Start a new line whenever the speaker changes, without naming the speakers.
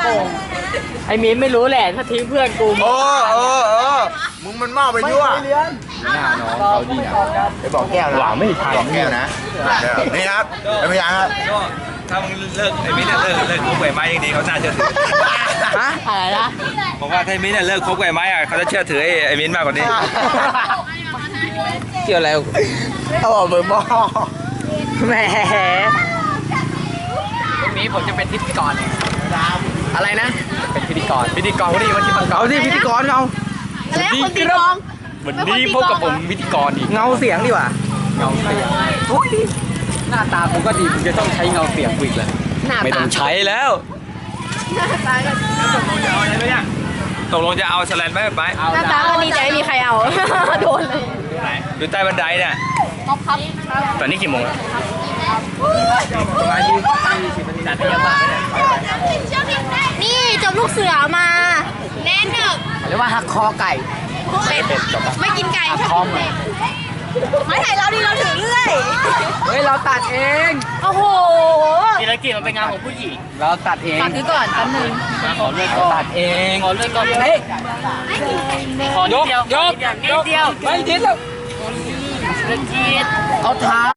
โป่งไอ้มีนไม่รู้แหละถ้าทิ้งเพื่อนกู
มึงมันเมาไปยั่ว
เลี้ยง
หน้าน้องเขาดีนะ
ไปบอกแก้วนะ
หวังไม่ทัน
บอกแก้วนะนี่ครับเป็นพยานครับ
ก็ถ้ามึงเลิกไอ้มิ้นท์เลิกคบกับไอ้ไม้ยังดีเขาน่าเชื่อถือ
ฮะอะไรนะ
ผมว่าถ้าไอ้มิ้นท์เลิกคบกับไอ้ไม้อะเขาจะเชื่อถือไอ้มิ้นท์มากกว่านี้
เกี่ยวอะไร
เขาบอกมึงบ้า
แหมวันนี้ผมจะเป็นพิธีกรอะไรนะเป็นพิธีกรวันนี้วันที่มันเอาสิพิธีกรเอา
แล้วคนตีกลอง
วันนี้พบกับผมพิธีกรอีกเงาเสียงดีกว่าเงาเสียงหน้าตาผมก็ดีผมจะต้องใช้เงาเสียงอีกเลยไม่ต้องใช้แล้ว
ตกลงจะเอาอะไรไหมเนี่ยตกลงจะเอาแสแลนด์ไหมไป
หน้าตาก็ดีแต่ไม่มีใครเอา โดนเลย
ดูใต้บันไดเนี่ย
ครับ
ตอนนี้กี่โมงแล้ว
ประมาณ20 นาทีจัดให้ยังมากเลย
นี่จบลูกเสือมา แน่นหนึบ
หรือว่าหักคอไก่
เป็ดไม่กินไก่
หักคอหมู
ไม่ถ่ายเราดิเราถือเรื่อย
เฮ้ยเราตัดเอง
โอ้โห
ธีรกิจมันเป็นงานของผู้หญิงเราตัดเอง
ฝากซื้อก่อนแป๊บนึง
ขอเลื่อนก่อนตัดเองขอเลื่อนก่อนเฮ้ยขอยกนิดเดียวไม่นิดแล้วเอาเท้า